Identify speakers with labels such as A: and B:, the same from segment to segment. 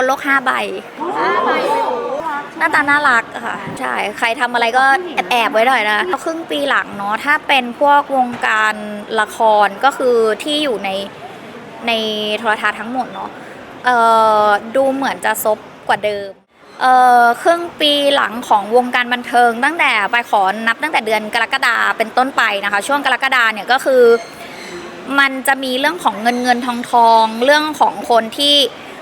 A: โลก5 ใบหน้าตาน่ารักค่ะใช่ใครทำอะไรก็แอบไว้หน่อยนะครึ่งปีหลังเนาะถ้าเป็นพวกวงการละครก็คือที่อยู่ในโทรทัศน์ทั้งหมดเนาะดูเหมือนจะซบกว่าเดิมครึ่งปีหลังของวงการบันเทิงตั้งแต่ไปขอนับตั้งแต่เดือนกรกฎาเป็นต้นไปนะคะช่วงกรกฎาเนี่ยก็คือมันจะมีเรื่องของเงินทองเรื่องของคนที่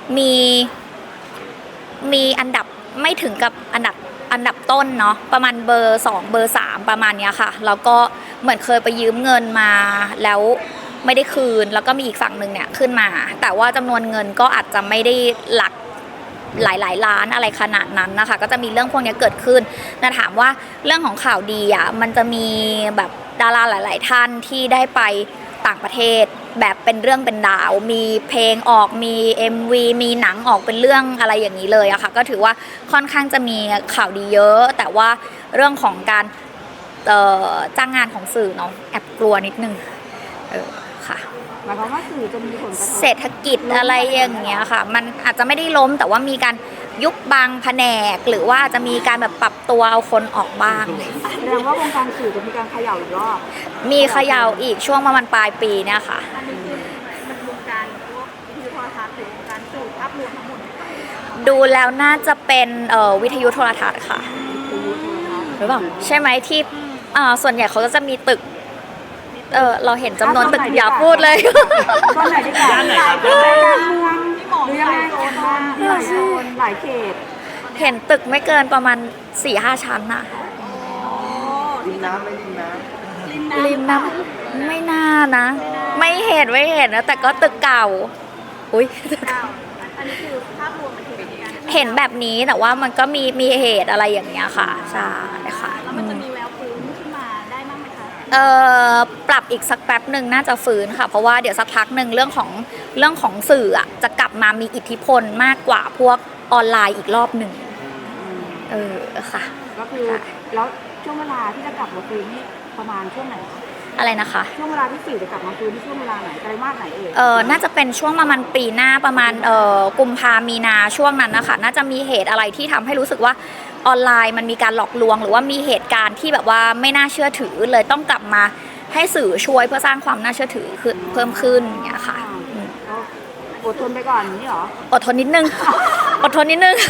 A: มีอันดับไม่ถึงกับอันดับต้นเนาะประมาณเบอร์2เบอร์3ประมาณเนี้ยค่ะแล้วก็เหมือนเคยไปยืมเงินมาแล้วไม่ได้คืนแล้วก็มีอีกฝั่งหนึ่งเนี่ยขึ้นมาแต่ว่าจำนวนเงินก็อาจจะไม่ได้หลักหลายล้านอะไรขนาดนั้นนะคะก็จะมีเรื่องพวกนี้เกิดขึ้นแต่ถามว่าเรื่องของข่าวดีอ่ะมันจะมีแบบดาราหลายๆท่านที่ได้ไปต่างประเทศแบบเป็นเรื่องเป็นราวมีเพลงออกมี MV มีหนังออกเป็นเรื่องอะไรอย่างนี้เลยอะค่ะก็ถือว่าค่อนข้างจะมีข่าวดีเยอะแต่ว่าเรื่องของการจ้างงานของสื่อเนาะแอบกลัวนิดนึงค่ะ
B: หมายความว่าสื่อจะมีผลกระทบ
A: เศรษฐกิจอะไรอย่างเงี้ยค่ะมันอาจจะไม่ได้ล้มแต่ว่ามีการยุบบางแผนกหรือว่าจะมีการแบบปรับตัวเอาคนออกบ้าง
B: แสดงว่าวงการสื่อจะมีการเขย่าอีกรอบ
A: มีเขย่าอีกช่วงประมาณปลายปีเนี่ยค่ะ
B: อันนี้คือมันวงการพวกวิทยุโทรทัศน์หรือวงการสื่อภาพรวมทั้งหมด
A: ดูแล้วน่าจะเป็นวิทยุโทรทัศน์ค่ะหรือเปล่าใช่ไหมที่ส่วนใหญ่เขาก็จะมีตึกเราเห็นจำนวนตึกอย่าพูดเลย
B: ตอนไหนดีกว่าหลายเมืองหรือยังไงหลายโซนหลายเขต
A: เห็นตึกไม่เกินประมาณ 4-5 ชั้นน่ะ
C: ริมน้ำไม่ริมน้ำ
A: ริมน้ำไม่น่านะไม่เห็นนะแต่ก็ตึกเก่าอุ้ย
B: อันนี้คือภาพรวมมัน
A: เห็นแบบนี้แต่ว่ามันก็มีเหตุอะไรอย่างเงี้ยค่ะใช่ค่ะ
B: แล้วมันจะมีแววฟื้นขึ้นมาได้บ้างไหมคะ
A: ปรับอีกสักแป๊บหนึ่งน่าจะฟื้นค่ะเพราะว่าเดี๋ยวสักพักหนึ่งเรื่องของสื่ออ่ะจะกลับมามีอิทธิพลมากกว่าพวกออนไลน์อีกรอบหนึ่งค่ะ
B: ก็คือแล้วช่วงเวลาที่จะกลับมาฟื้นนี่ประมาณช่วงไหนคะ
A: อะไรนะคะ
B: ช่วงเวลาที่สื่อจะกลับมาฟื้นที่ช่วงเวลาไหนไตรมาสไหน
A: น่าจะเป็นช่วงประมาณปีหน้าประมาณกุมภามีนาช่วงนั้นนะคะน่าจะมีเหตุอะไรที่ทำให้รู้สึกว่าออนไลน์มันมีการหลอกลวงหรือว่ามีเหตุการณ์ที่แบบว่าไม่น่าเชื่อถือเลยต้องกลับมาให้สื่อช่วยเพื่อสร้างความน่าเชื่อถือเพิ่มขึ้นอย่างเงี้ยค่ะ
B: อดทนไปก่อนนี่หรอ
A: อดทนนิดนึงอดทนนิดนึง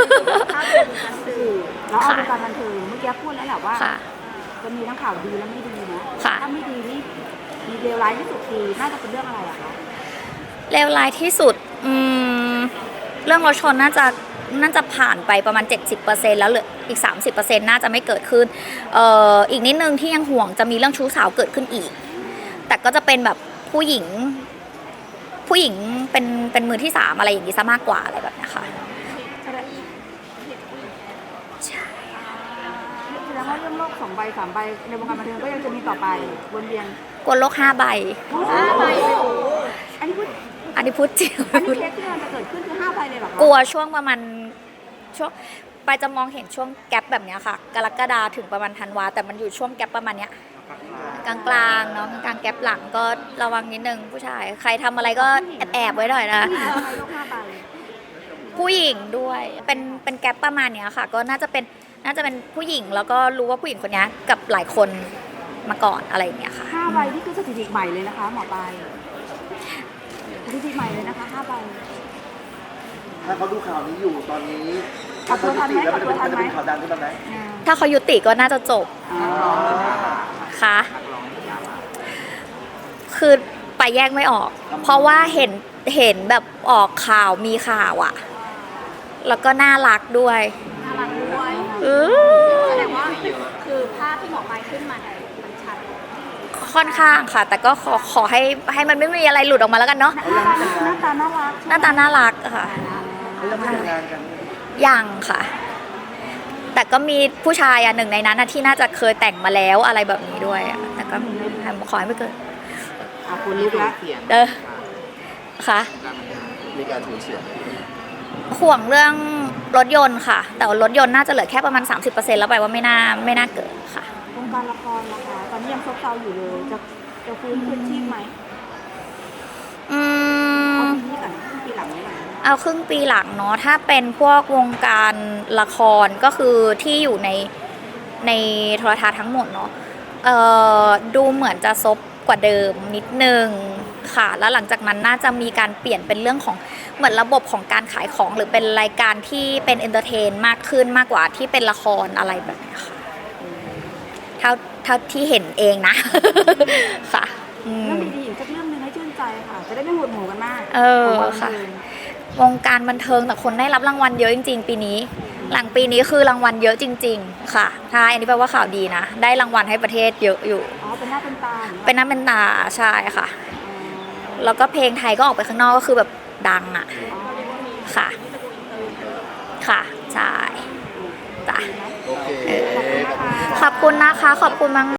B: แล้วเอาเป็นการบันเทิงเมื่อกี้พูดแล้วแหละว่าจะมีทั้งข่าวดีและไม่ดีนะถ้าไม่ดีนี่มีเลวร้ายที่สุดคือน่าจะเป็นเรื่องอะไรอะคะ
A: เลวร้ายที่สุดเรื่องรถชนน่าจะผ่านไปประมาณ 70% แล้วเหลืออีก 30% น่าจะไม่เกิดขึ้นอีกนิดนึงที่ยังห่วงจะมีเรื่องชู้สาวเกิดขึ้นอีกแต่ก็จะเป็นแบบผู้หญิงเป็นมือที่3อะไรอย่างนี้ซะมากกว่าอะไรแบบนี้ค่ะ
B: ใช่แสดงว่าเรื่องโลก2 ใบ 3 ใบในวงการบันเทิงก็ยังจะมีต่อไปวนเวียน
A: กวนโลก5 ใบ
B: 5 ใบเลยโอ้อันนี้พูด
A: จริง
B: อันนี้เคสที่มันจะเกิดขึ้นคือ5 ใบเลยเหรอคะ
A: กลัวช่วงประมาณช่วงไปจะมองเห็นช่วงแกลบแบบนี้ค่ะกรกฎาถึงประมาณธันวาแต่มันอยู่ช่วงแกลบประมาณเนี้ยกลางๆเนาะกลางแกลบหลังก็ระวังนิดนึงผู้ชายใครทำอะไรก็แอบไว้หน่อยนะผู้หญิงด้วยเป็นแกลบประมาณเนี้ยค่ะก็น่าจะเป็นผู้หญิงแล้วก็รู้ว่าผู้หญิงคนนี้กับหลายคนมาก่อนอะไรอย่างเงี้ยค่ะ
B: 5 ใบนี่คือสถิติใหม่เลยนะคะหมอปลายสถิติใหม่เลยนะคะ5 ใบ
C: ถ้าเขาดูข่าวนี้อยู่ตอนนี้ถ้าเขายุติแล้วมันจะเป็นข่าวดังขึ้นมาไหม
A: ถ้าเขายุติก็น่าจะจบค่ะคือไปแยกไม่ออกเพราะว่าเห็นแบบออกข่าวมีข่าวอ่ะแล้วก็น่ารักด้วย
B: แสดงว่าคือภาพที่หมอปลายขึ้นมามันชัด
A: ค่อนข้างค่ะแต่ก็ขอให้มันไม่มีอะไรหลุดออกมาแล้วกันเนาะ
B: หน้าตาน่ารัก
A: ค่ะ
C: เขายังไม่แต่งงานกัน
A: ยังค่ะแต่ก็มีผู้ชายหนึ่งในนั้นที่น่าจะเคยแต่งมาแล้วอะไรแบบนี้ด้วยแต่ก็ขอให้ไม่เกิด
B: คุณลุกละ
A: ค่ะ
C: มีการสูญเสีย
A: ห่วงเรื่องรถยนต์ค่ะแต่รถยนต์น่าจะเหลือแค่ประมาณ 30% แล้วไปว่าไม่น่าเกิดค่ะ
B: วงการละครนะคะตอนนี้ยังซบเซาอยู่เลยจะฟื้นคืนชีพไหมเอาทีนี้ก่อนปีหลังนี้หน่อย
A: เอาครึ่งปีหลังเนาะถ้าเป็นพวกวงการละครก็คือที่อยู่ในโทรทัศน์ทั้งหมดเนาะดูเหมือนจะซบกว่าเดิมนิดนึงค่ะแล้วหลังจากนั้นน่าจะมีการเปลี่ยนเป็นเรื่องของเหมือนระบบของการขายของหรือเป็นรายการที่เป็นเอนเตอร์เทนมากขึ้นมากกว่าที่เป็นละครอะไรแบบนี้ค่ะเท่าที่เห็นเองนะ ค่ะ
B: เรื่องดีๆอีกสักเรื่องหนึงให้ชื่นใจค่ะ จะได้ไม่หดหูกันมาก
A: ค่ะวงการบันเทิงแต่คนได้รับรางวัลเยอะจริงๆปีนี้หลังปีนี้คือรางวัลเยอะจริงๆค่ะถ้าอันนี้แปลว่าข่าวดีนะได้รางวัลให้ประเทศเยอะอยู่
B: อ๋อเป็นหน้าเป็นตา
A: เป็นหน้าเป็นตาใช่ค่ะแล้วก็เพลงไทยก็ออกไปข้างนอกก็คือแบบดังอ่ะค่ะค่ะใช่จ้ะ
C: โอเค
A: ขอบคุณนะคะขอบคุณมาก